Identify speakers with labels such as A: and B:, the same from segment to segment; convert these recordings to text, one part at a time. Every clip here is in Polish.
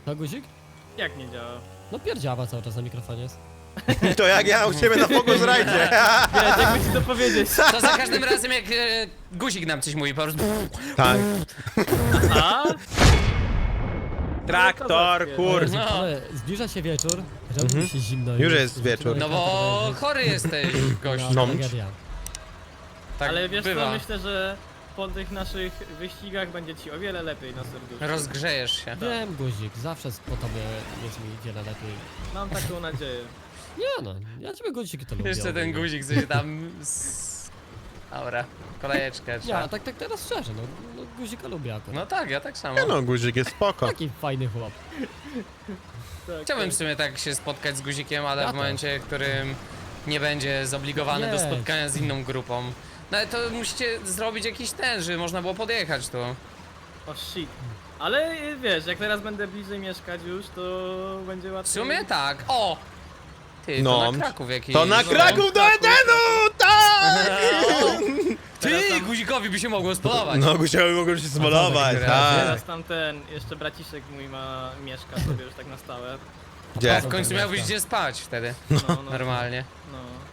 A: To guzik?
B: Jak nie działa?
A: No pierdziawa cały czas na mikrofonie jest.
C: To jak ja u siebie na Focus Ride.
B: Wiesz, jakby ci to powiedzieć.
D: To za każdym razem jak guzik nam coś mówi, po prostu...
C: Tak.
B: A?
C: Traktor, kur...
D: No.
A: Ale zbliża się wieczór, robi mi się zimno.
C: Już jest wieczór.
D: No bo chory jesteś, gościu.
C: No.
A: Tragedia.
D: Tak
B: Ale wiesz
D: bywa.
B: co, myślę, że po tych naszych wyścigach będzie ci o wiele lepiej na serduszku.
D: Rozgrzejesz się.
A: Wiem, guzik, zawsze po tobie jest mi wiele lepiej.
B: Mam taką nadzieję.
A: Nie no, ja ciebie guzik to lubię.
D: Jeszcze ten guzik coś tam... Dobra, kolejeczkę
A: Nie,
D: trzeba.
A: a tak teraz szczerze, no guzika lubię akurat.
D: No tak, ja tak samo.
C: Nie no, guzik jest spoko.
A: Taki fajny chłop.
B: Tak,
D: Chciałbym w sumie tak się spotkać z guzikiem, ale
A: Ja
D: w
A: też.
D: momencie, w którym nie będzie zobligowany do
A: Nie.
D: spotkania z inną grupą. No ale to musicie zrobić jakiś ten, żeby można było podjechać tu.
B: O shit. Ale wiesz, jak teraz będę bliżej mieszkać już, to będzie
D: W
B: łatwiej.
D: sumie tak. O! Ty,
C: No.
D: to na Kraków jakiś.
C: To na Kraków do Edenu! Tak!
D: Ty, guzikowi by się mogło spodobać.
C: No, guzikowi mogą się smolować,
D: tak.
C: tak.
B: Teraz tam jeszcze braciszek mój mieszka sobie już tak na stałe.
C: Gdzie?
D: W końcu miałbyś gdzie spać wtedy.
B: No,
D: Normalnie.
B: No.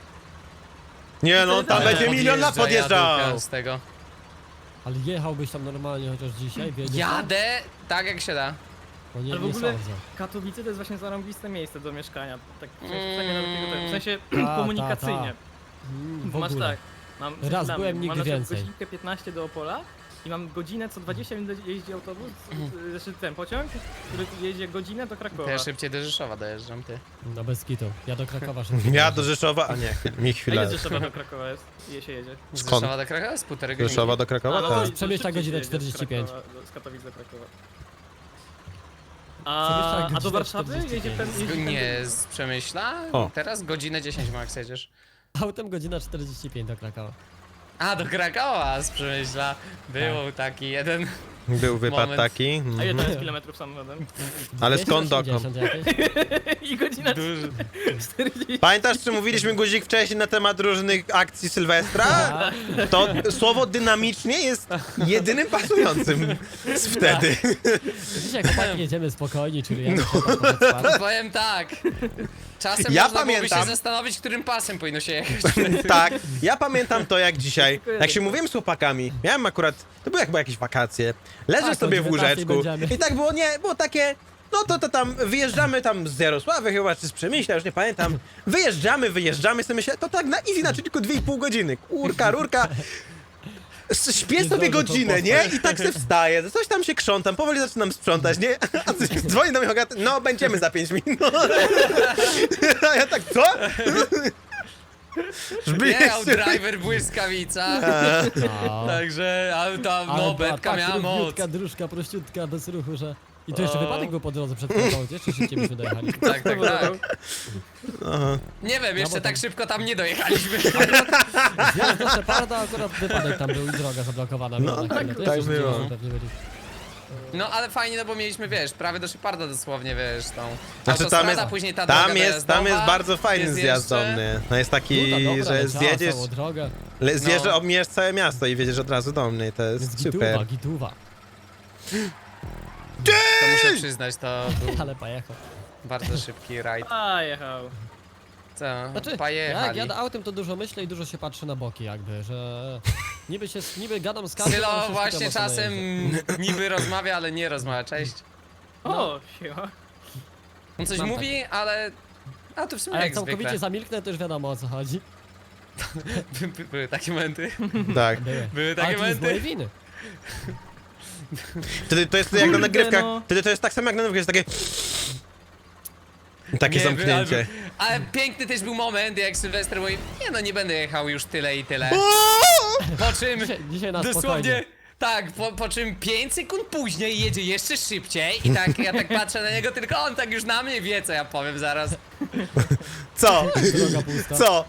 C: Nie no, tam będzie milion lat podjeżdżał.
D: jadłka z tego.
A: Ale jechałbyś tam normalnie chociaż dzisiaj, wiedziesz?
D: Jadę tak jak się da.
A: No nie,
B: Ale w
A: nie
B: ogóle
A: sądzę.
B: Katowice to jest właśnie zarąbiste miejsce do mieszkania. Tak przynajmniej na takiego tego. W sensie
A: Ta,
B: komunikacyjnie.
A: W
B: Masz
A: ogóle.
B: tak. Mam,
A: Raz
B: dla
A: byłem,
B: mnie,
A: nigdy
B: mam na przykład
A: więcej.
B: godzinkę 15 do Opola i mam godzinę co 20 minut jeździ autobus, znaczy ten pociąg, który jeździ godzinę do Krakowa.
D: To ja szybciej do Rzeszowa dojeżdżam, ty.
A: No bez kitu. Ja do Krakowa szybko.
C: Ja do Rzeszowa, a nie, mi
B: A
C: chwilę.
B: ile Rzeszowa do Krakowa jest? Ile się jedzie?
D: Z
C: Skąd?
D: Rzeszowa do Krakowa jest półtorej godziny.
C: Rzeszowa do
B: A,
C: Krakowa?
B: no
C: Tak.
B: to
A: Przemyśla
B: szybciej
A: godzinę
B: się jedzie
A: 45.
B: z Katowic do Krakowa.
A: Przemyśla
B: A do
A: godzinę
B: Warszawy
A: 45.
B: jedzie ten... jeździ
D: Nie, z Przemyśla?
C: O.
D: Teraz godzinę 10 max jedziesz.
A: Autem godzina 45 do Krakowa.
D: A, do Krakowa z Przemyśla. Był taki jeden.
C: Był wypad
D: Moment.
C: taki.
B: A ile to
C: Mhm.
B: jest kilometrów samochodem?
C: Ale skąd dokąd?
A: 280 jakieś?
B: I godzina
D: Duży.
B: 40.
C: Pamiętasz, czy mówiliśmy guzik wcześniej na temat różnych akcji Sylwestra?
A: A,
C: To słowo dynamicznie jest jedynym pasującym z wtedy.
A: dzisiaj chłopaki jedziemy spokojnie, czyli ja
D: Powiem tak. Czasem
C: Ja
D: można byłoby
C: pamiętam.
D: się zastanowić, którym pasem powinno się jechać.
C: Tak, ja pamiętam to jak dzisiaj. Jak się mówiłem z chłopakami, miałem akurat, to były jakby jakieś wakacje, leżę
A: Tak,
C: sobie
A: o
C: w
A: 19
C: łóżeczku
A: będziemy.
C: i tak było, nie, było takie, no to tam wyjeżdżamy tam z Jarosławy chyba, czy z Przemyśla, już nie pamiętam. Wyjeżdżamy, sobie myślę, to tak na easy, na tylko 2,5 godziny, kurka, rurka. Śpię
A: Nie
C: sobie
A: zdążę
C: godzinę,
A: tą
C: nie?
A: postać.
C: I tak sobie wstaję, coś tam się krzątam, powoli zaczynam sprzątać, nie? A coś dzwoni do mnie Hogaty, no będziemy za 5 minut. A ja tak, co? Żeby
D: Jechał
C: jeszcze-
D: driver błyskawica.
A: No.
D: Także, ale tam, no, betka miała moc.
A: równiutka, dróżka prościutka, bez ruchu, że... I to jeszcze wypadek był po drodze przed Krakową, gdzie? Czy szybciej byśmy dojechali?
D: Tak, tak, tak.
C: Aha.
D: Nie wiem, jeszcze
A: bo
D: tak
A: tam-
D: szybko tam nie dojechaliśmy.
A: Zjazd do Szeparda, akurat wypadek tam był i droga zablokowana.
C: No,
A: była na chwilę. To
C: tak
A: jeszcze
C: było.
A: szybciej pewnie byli.
D: No ale fajnie, no bo mieliśmy, wiesz, prawie do Szeparda dosłownie, wiesz, tą
C: Znaczy
D: autostrada, później ta droga
C: tam jest
D: dojazdowa,
C: bardzo fajny
D: jest
C: zjazd do
D: jeszcze-
C: mnie. No jest taki,
A: Nuda dobra,
C: że
A: leciała
C: zjedziesz,
A: całą drogę.
C: zjeżdżasz,
D: No.
C: obmijasz całe miasto i wiedziesz od razu do mnie, to jest
A: Jest
C: super.
A: gituwa.
D: To muszę przyznać, to był
A: Ale pojechał.
D: bardzo szybki rajd.
B: A, jechał.
D: Co?
A: Znaczy, jak
D: Pojechali.
A: jadę autem, to dużo myślę i dużo się patrzy na boki jakby, że... Niby gadam z każdym, ale
D: Sylo
A: się
D: właśnie
A: skupiam mocno na
D: czasem
A: jeździe.
D: niby rozmawia, ale nie rozmawia, cześć.
B: O, siła.
D: On coś
A: Mam
D: mówi, ale... A to w sumie
A: A jak
D: jak
A: całkowicie
D: zwykle.
A: zamilknę, to już wiadomo o co chodzi.
D: Były takie momenty.
C: Tak.
D: Były
A: Ale
D: takie
A: to nie z
D: momenty.
A: mojej winy.
C: Wtedy to jest jak na
B: Kurde,
C: nagrywkach,
B: no.
C: wtedy to jest tak samo jak na nagrywkach, jest takie
D: Nie,
C: zamknięcie.
D: Ale piękny też był moment, jak Sylwester mówi, nie no, nie będę jechał już tyle i tyle. Po czym
A: Dzisiaj na
D: dosłownie,
A: spokojnie.
D: tak, po czym 5 sekund później jedzie jeszcze szybciej i tak, ja tak patrzę na niego, tylko on tak już na mnie wie, co ja powiem zaraz.
C: Co?
A: Droga pusta.
C: Co?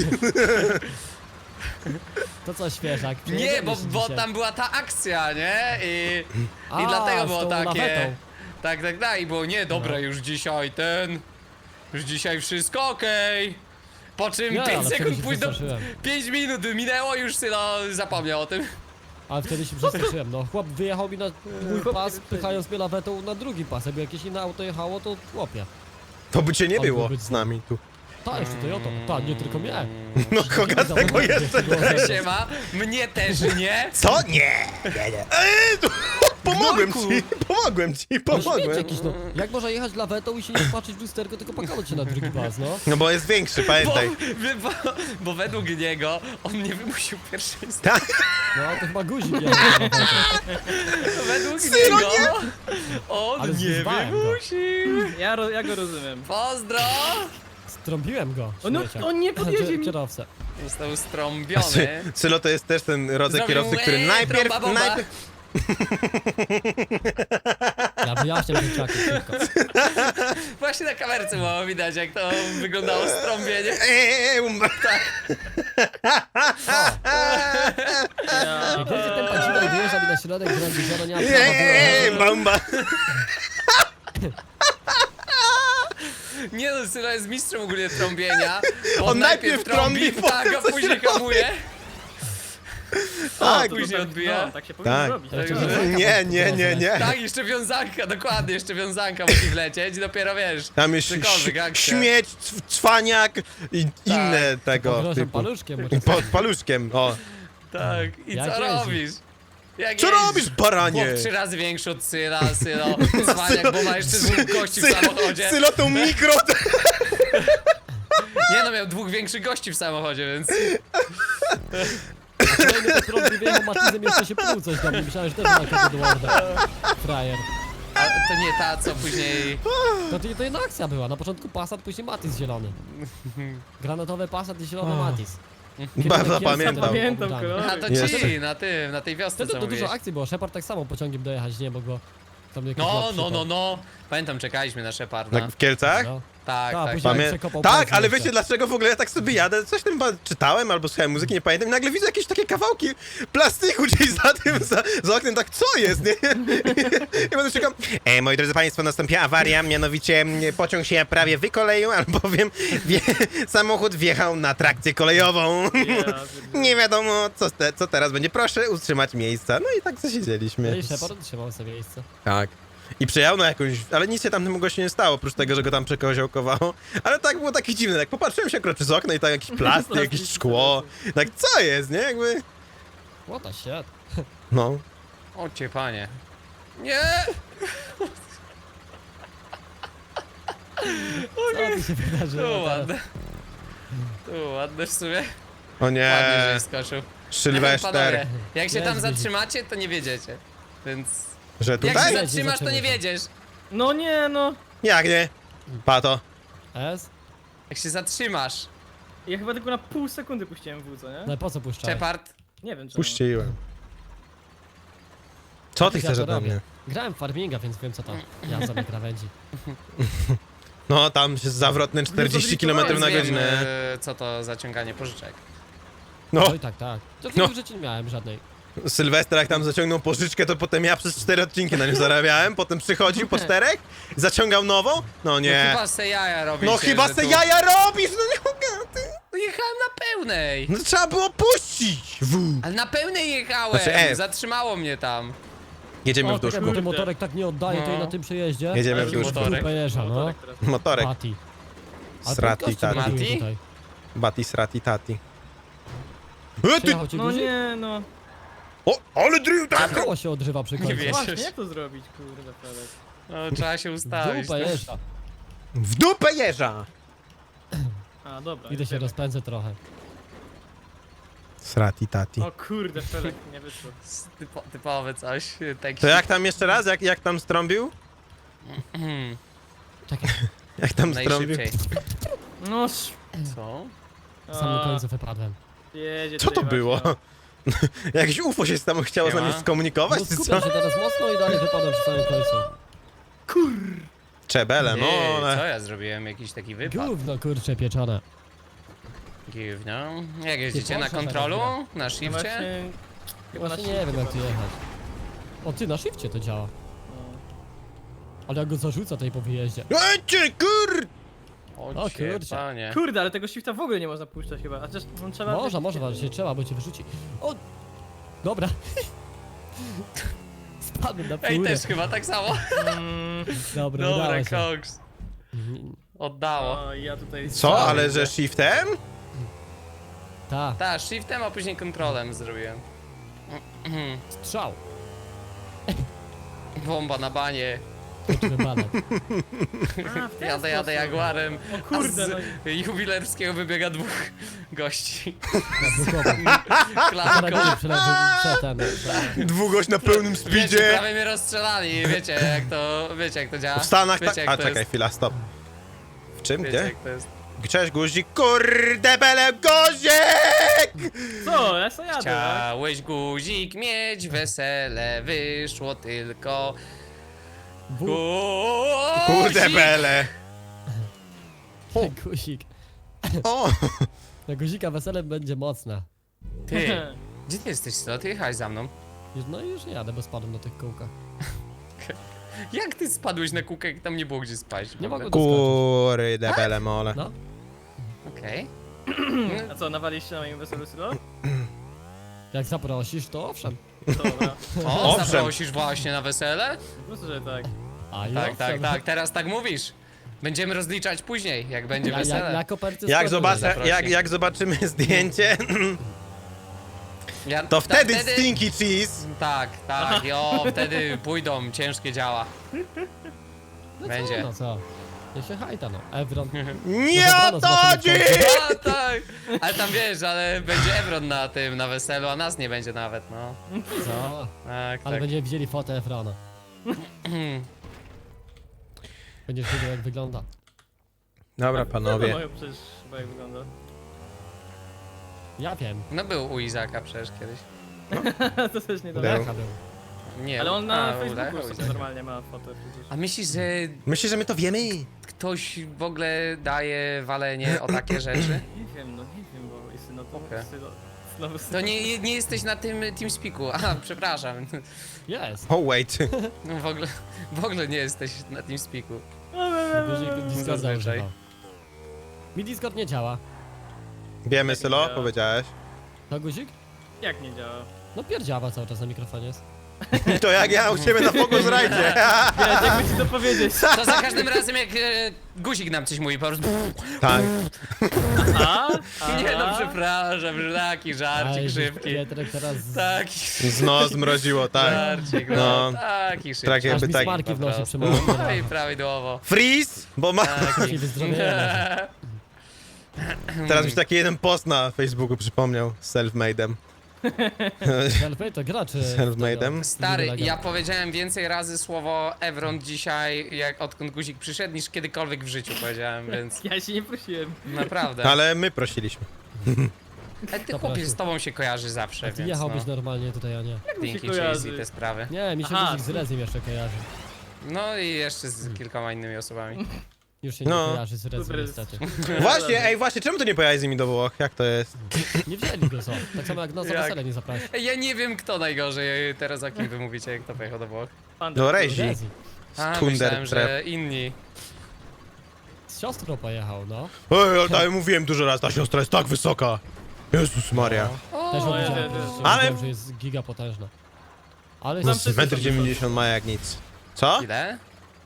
A: To co świeżak?
D: Nie,
A: Przejedziemy
D: bo,
A: się
D: bo
A: dzisiaj.
D: tam była ta akcja, nie? I
A: A,
D: dlatego
A: z
D: było
A: tą
D: takie.
A: lawetą.
D: Tak, i było nie, dobra,
A: No.
D: już dzisiaj już dzisiaj wszystko okej. Po czym
A: Nie,
D: 5
A: ale
D: sekund
A: wtedy się
D: później,
A: przestraszyłem.
D: 5 minut minęło, już Sylo zapomniał o tym.
A: Ale wtedy się przestraszyłem, no. Chłop wyjechał mi na mój
B: Chłop
A: pas,
B: nie
A: pychając mnie lawetą na drugi pas. Jakby jakieś inne auto jechało, to chłopie.
C: To by cię nie
A: Ale
C: było
A: byłby
C: z nami tu.
A: Ta, jeszcze Toyota. Ta, nie tylko mnie.
C: No Hogatego jeszcze.
D: Siema, mnie też nie.
C: Co? Nie! Pomogłem ci, pomogłem ci,
A: Ale śmieć
C: pomogłem.
A: jakiś, no. Jak można jechać lawetą i się nie patrzeć w lusterko, tylko pakować się na drugi pas, no?
C: No bo jest większy,
D: Bo,
C: pamiętaj.
D: bo według niego on mnie wymusił pierwszeństwo.
C: Tak?
A: No, to chyba guzik jechał na lawetą.
D: Według
C: Sylo,
D: niego on
A: Ale
D: nie
A: zwyzwałem go.
D: wymusił.
B: Ja go rozumiem.
D: Pozdro!
A: Strąbiłem go,
B: No,
A: śmiecia.
B: on nie podjedzie mi.
A: Kierowcę.
D: Został strąbiony.
C: Sylo to jest też ten rodzaj
D: Zrobił
C: kierowcy, który najpierw...
D: trąba bomba.
A: Ja wyjaśniam ten czakie szybko.
D: Właśnie na kamerce było widać, jak to wyglądało strąbienie.
B: Ja,
A: Jak będzie ten padzinek wyjeżdża mi na środek drogi, że nie ma prawa było.
C: Bomba.
D: Nie no, Sylo jest mistrzem ogólnie trąbienia. Bo
C: On najpierw trąbi,
D: tak,
C: potem
D: a
C: coś
D: później
C: robi.
D: hamuje.
C: Tak.
D: Później odbija.
B: no, tak się powinno
C: Tak.
B: robić.
A: Ale
B: Tak,
A: to-
B: tak.
C: Nie.
D: Tak, jeszcze wiązanka, dokładnie, jeszcze wiązanka musi wlecieć i dopiero wiesz.
C: Tam jest
D: cokolwiek, akcja.
C: śmieć, cwaniak i inne tego
A: Pogrożam
C: typu.
A: paluszkiem,
C: I pod paluszkiem, o.
D: Tak, i
A: Jak
D: co
A: jeździ?
D: robisz? Jak
C: Co
D: jeździsz?
C: robisz, baranie?
D: Chłop 3 razy większy od Syla, cwaniak, bo ma jeszcze dwóch gości w samochodzie.
C: Sylo tą mikro...
D: Nie no, miał dwóch większych gości w samochodzie, więc...
A: Kolejny to prąd wyjechał Matizem jeszcze się pluł coś do mnie. Myślałem, że też ma jakiegoś Edwarda. Frajer.
D: A to nie ta, co później...
A: To jedna akcja była. Na początku Passat, później Matiz zielony. Granatowy Passat i zielony Matiz.
C: Bardzo
A: Kielce
C: pamiętam.
B: Pamiętam
A: oddane.
B: kolory.
D: A to
C: Jest.
D: ci, na tej wiosce,
A: Wtedy
D: co
A: to dużo
D: mówiłeś.
A: akcji było. Shepard tak samo pociągiem dojechać nie mógł, bo tam jakiś
D: No,
A: łap
D: no, no,
A: przypadł.
D: no. Pamiętam, czekaliśmy na Sheparda.
C: Tak w Kielcach?
A: No.
D: Tak,
A: Tak,
D: tak.
A: później-
C: Pamię...
A: przekopał
C: Tak,
A: palcem jeszcze.
C: wiecie dlaczego w ogóle ja tak sobie jadę? Coś tam chyba czytałem albo słuchałem muzyki, nie pamiętam. I nagle widzę jakieś takie kawałki plastiku gdzieś za tym, za oknem, tak co jest, nie? I będę czekał. Moi drodzy państwo, nastąpiła awaria, mianowicie pociąg się prawie wykoleił, albowiem samochód wjechał na trakcję kolejową. Nie wiadomo, co teraz będzie. Proszę utrzymać miejsca. No i tak
A: No
C: zasiedzieliśmy.
A: i Shepard trzymał sobie miejsce.
C: Tak. I przejechał na jakąś... Ale nic się tamtemu gościu nie stało, oprócz tego, że go tam przekoziołkowało. Ale tak było takie dziwne, tak popatrzyłem się akurat przez okno i tak jakiś plastik, jakieś szkło. Tak co jest, nie? Jakby...
A: What the shit.
C: No.
D: O cię, panie. Nie!
A: Co tu się wydarzyło
D: Tu
A: teraz?
D: ładne. Tu ładne w sumie.
C: O
D: Ładnie, że
C: nie.
D: skoczył.
C: Sylwester.
D: Panowie, jak się
A: Jest
D: tam
A: guzik.
D: zatrzymacie, to nie wiedziecie. Więc...
C: Że
D: Jak się
C: tutaj?
A: Jedzie,
D: zatrzymasz, to nie
A: zaczęło się.
D: wiedziesz.
B: No nie, no.
C: Jak nie? Pato.
A: S?
D: Jak się zatrzymasz.
B: Ja chyba tylko na pół sekundy puściłem w, co nie?
A: No i po co puszczałeś?
D: Shepard.
B: Nie wiem czemu.
C: Puściłem. Co ty
A: Ja
C: chcesz
A: to
C: ode
A: robię.
C: mnie?
A: Grałem w farminga, więc wiem co tam. Ja sobie krawędzi.
C: No, tam się zawrotne 40 km na
D: Wiem,
C: godzinę.
D: co to za ciąganie pożyczek.
C: No,
A: No i tak, tak. To
C: No.
A: w życiu nie miałem żadnej.
C: Sylwester jak tam zaciągnął pożyczkę, to potem ja przez 4 odcinki na nim zarabiałem, potem przychodził po 4, zaciągał nową. No
D: No
C: nie.
D: chyba se jaja robisz.
C: No chyba se jaja robisz, no nie mogę, ty.
D: No jechałem na pełnej.
C: No trzeba było puścić!
D: Ale na pełnej jechałem.
C: Znaczy,
D: Zatrzymało mnie tam.
C: Jedziemy
A: O,
C: w duszku.
A: bo ten motorek tak nie oddaje tej
D: No.
A: na tym przejeździe.
C: Jedziemy w
D: Jaki
C: duszku.
D: motorek?
A: Dupę jeża, no.
B: Motorek teraz.
C: Motorek.
A: Bati. Ale
C: Srati,
A: podcast
C: tati.
A: buduje
D: Mati?
A: tutaj.
C: Bati, srati, tati. Ty!
A: Przejechał cię
B: No
A: guzik?
B: nie, no.
C: O, ale drill, tak!
A: Koło się odrywa przy końcu.
D: wiesz.
B: Właśnie, jak to zrobić, kurde, Felek?
D: No, trzeba się ustawić.
A: Dupę jeża.
C: W dupę jeża!
B: A, dobra.
A: Idę się rozpędzę trochę.
C: Srati, tati.
B: O kurde, Felek, nie wyszło.
D: Typowe coś. Tak
C: To jak tam jeszcze raz? Jak tam strąbił?
A: Czekaj,
C: Jak tam strąbił?
D: Najszybciej.
B: No,
D: Co?
A: na samym końcu wypadłem.
B: jedzie
C: Co to
B: tutaj
C: było?
B: właśnie.
C: Jakieś UFO się tam chciało z nami
D: Siema.
C: skomunikować,
A: No
C: czy co?
A: skupiam się teraz mocno i dalej wypadam przy samym końcu.
C: Czebele, no
D: Ty, co
C: ale...
D: ja zrobiłem? Jakiś taki wypad.
A: Gówno kurcze pieczone.
D: Gówno. Jak jeździcie? Na
A: Porsche
D: kontrolu?
A: teraz
D: Na
B: No
D: shifcie?
B: właśnie,
A: Właśnie nie wiem jak tu jechać. O ty, na shifcie to działa. Ale jak go zarzuca tej po wyjeździe.
C: Ecie, kur...
A: O
D: cię,
A: kurczę.
D: panie.
B: Kurde, ale tego shifta w ogóle nie można puszczać chyba. A też no, trzeba...
A: Można, właśnie trzeba, bo cię wyrzuci. O! Dobra. Spadłem na
D: Ej,
A: furę.
D: też chyba tak samo.
A: Dobra,
D: Dobra,
A: udało się.
D: koks. Oddało.
B: O, ja tutaj...
C: Co? Ale że shiftem?
A: Ta,
D: Tak, shiftem, a później kontrolem zrobiłem.
A: strzał.
D: Bomba na banie.
A: Kończymy balet.
B: A, w ten
D: Jadę
B: sposób.
D: Jaguarem.
B: O kurde,
D: a
B: no
D: z jubilerskiego wybiega dwóch gości.
A: Bukowa.
D: Klatką.
A: Karabiny przetem.
C: Dwugość na pełnym
D: Wiecie,
C: speedzie.
D: prawie mnie rozstrzelali. Wiecie jak to działa?
C: W Stanach
D: Wiecie,
C: tak...
D: jak
C: A
D: to
C: czekaj,
D: jest.
C: chwila, stop. W czym?
D: Wiecie
C: Gdzie?
D: jak to jest.
C: Cześć guzik, kurde bele guzik!
B: co? Ja sobie jadę, tak?
D: Chciałeś guzik mieć, wesele wyszło tylko. Guzik!
C: Kurde bele.
A: Guzik.
C: O!
A: Na guzika wesele będzie mocne.
D: Ty, gdzie ty jesteś, Sylo? Ty jechałeś za mną.
A: No i już nie jadę, bo spadłem na tych kółkach.
D: Jak ty spadłeś na kółkę, jak tam nie było gdzie spaść?
A: Nie mogę
C: Kurde bele mole.
A: No,
D: Okej.
B: A co, nawaliście na moim weselu Sylo?
A: jak zaprosisz, to owszem.
B: Dobra.
D: O,
C: Owszem.
D: zaprosisz właśnie na wesele?
B: Po prostu, że tak.
A: A i
D: Tak,
A: owszem.
D: tak, teraz tak mówisz. Będziemy rozliczać później, jak będzie wesele.
A: Ja koperty
C: Jak,
A: składam.
C: zobaczę, jak zobaczymy zdjęcie,
D: Ja,
C: to wtedy stinky cheese.
D: Tak, wtedy pójdą ciężkie działa.
A: No
D: będzie.
A: Co, no co? Ja się hajta, no. Evron.
C: Nie o to chodzi!
D: A, tak. Ale tam wiesz, ale będzie Evron na tym, na weselu, a nas nie będzie nawet, no.
A: Co?
D: Tak,
A: Ale
D: tak.
A: będziemy widzieli fotę Efrona. Będziesz wiedział, jak wygląda.
C: Dobra
B: No,
C: panowie.
B: przecież chyba jak wygląda.
A: Ja wiem.
D: No był u Izaka przecież kiedyś.
B: To też nie
C: Był.
B: dobre.
A: Jaka był.
D: Nie,
B: Ale on na
D: u
B: Facebooku
D: Izaka.
B: sobie normalnie ma fotę przecież.
D: A myślisz, że
C: Myślisz, że my to wiemy?
D: ktoś w ogóle daje walenie o takie rzeczy?
B: Nie wiem, bo jest no to
D: Okej.
B: znowu
D: To nie jesteś na tym TeamSpeaku. Aha, przepraszam.
A: Jest.
C: Oh wait.
D: No w ogóle nie jesteś na TeamSpeaku.
A: Guzik Discorda
D: Zazwyczaj.
A: używał. Mi Discord nie działa.
C: Wiemy, Sylo?
B: działa.
C: Powiedziałeś.
A: To guzik?
B: Jak nie działa?
A: No pierdziawa cały czas na mikrofonie jest.
C: To jak ja u siebie na Focus Ride.
B: Wiesz, jakby ci to powiedzieć.
D: To za każdym razem jak guzik nam coś mówi, po prostu...
C: Tak.
B: A?
D: Nie no, przepraszam, że taki żarcik
A: Aj,
D: szybki.
A: Pietrek teraz...
D: Taki
C: No, zmroziło, tak.
D: żarcik,
C: No.
D: no. Taki szybki.
C: Tak
A: Aż
C: jakby
A: mi
C: tak.
A: smarki w
D: po
A: nosie
D: prostu.
A: przemówił.
D: No i prawidłowo.
C: Freeze! Bo ma...
D: Taki.
A: Ci wyzdrowienia.
C: Teraz mi się taki jeden post na Facebooku przypomniał z self-made'em.
A: Selfie to graczy.
C: Self-made'em?
D: Stary, ja powiedziałem więcej razy słowo Evron dzisiaj, jak odkąd guzik przyszedł, niż kiedykolwiek w życiu powiedziałem, więc
B: Ja się nie prosiłem.
D: naprawdę.
C: Ale my prosiliśmy.
D: Ale ty
A: To
D: chłopiec
A: proszę.
D: z tobą się kojarzy zawsze,
A: Ty
D: więc
A: jechałbyś
D: no.
A: normalnie tutaj, a nie.
D: Dinky
B: się
D: Chase
B: kojarzy?
D: i te sprawy.
A: Nie, mi się
B: Aha.
A: guzik z Rezim jeszcze kojarzy.
D: No i jeszcze z kilkoma innymi osobami.
A: Już się
C: No.
A: nie kojarzy z Rezim
B: Super.
A: niestety.
C: Właśnie, czemu to nie pojechałeś z nimi do Włoch? Jak to jest?
A: Nie wzięli go, co? Tak samo jak nas za
D: Jak?
A: wesele nie zapraszać.
D: Ja nie wiem kto najgorzej, teraz o kim wy mówicie, jak to pojechał do Włoch.
C: Do Rezi.
A: Rezi.
D: A,
C: Skunder
D: myślałem, że
C: trap.
D: inni.
A: Z siostrą pojechał, no.
C: Ej, ale tak mówiłem dużo razy, ta siostra jest tak wysoka. Jezus Maria.
A: Też ją
B: ja
A: widziałem,
B: też.
A: przecież
C: Ale-
A: wiem, że jest giga potężna. Ale
B: Znam
A: z,
B: wszyscy.
C: 1,90 m ma jak nic. Co?
D: Ile?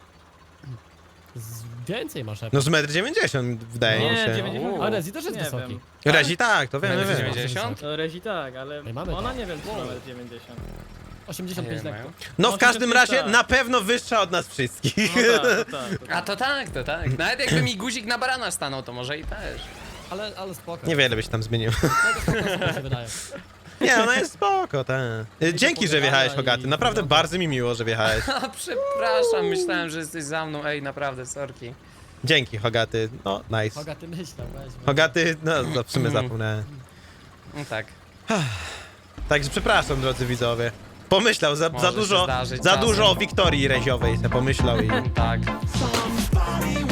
A: więcej masz
C: No z 1,90 m wydaje mi
B: Nie,
C: się.
B: 90.
A: A Rezi też jest
B: Nie
A: wysoki.
B: wiem.
C: Rezi tak, to wiemy,
D: Metr
C: wiemy.
D: 90?
B: No Rezi tak, ale
A: Ej, mamy
B: ona
A: to.
B: nie wiem, czy nawet 90.
A: 85
D: Nie
A: lekko.
D: mają.
C: No w każdym razie
B: tak.
C: na pewno wyższa od nas wszystkich.
B: No tak.
D: A to tak, to tak. Nawet jakby mi guzik na barana stanął, to może i też.
A: Ale spoko.
C: Niewiele byś tam zmienił.
A: Tak się wydaje.
C: Nie, ona jest spoko, tak. Dzięki, że wjechałeś, Hogaty. Naprawdę bardzo mi miło, że wjechałeś.
D: A przepraszam, myślałem, że jesteś za mną. Ej, naprawdę, sorki.
C: Dzięki, Hogaty. No, nice.
A: Hoga, ty myślał, weź.
C: Hogaty, no, w sumie zapomniałem.
D: No tak.
C: Także przepraszam, drodzy widzowie. Pomyślał, za
D: Może się
C: dużo,
D: zdarzyć
C: za
D: czasem.
C: dużo o Wiktorii Reziowej se pomyślał i...
D: Tak.
E: Somebody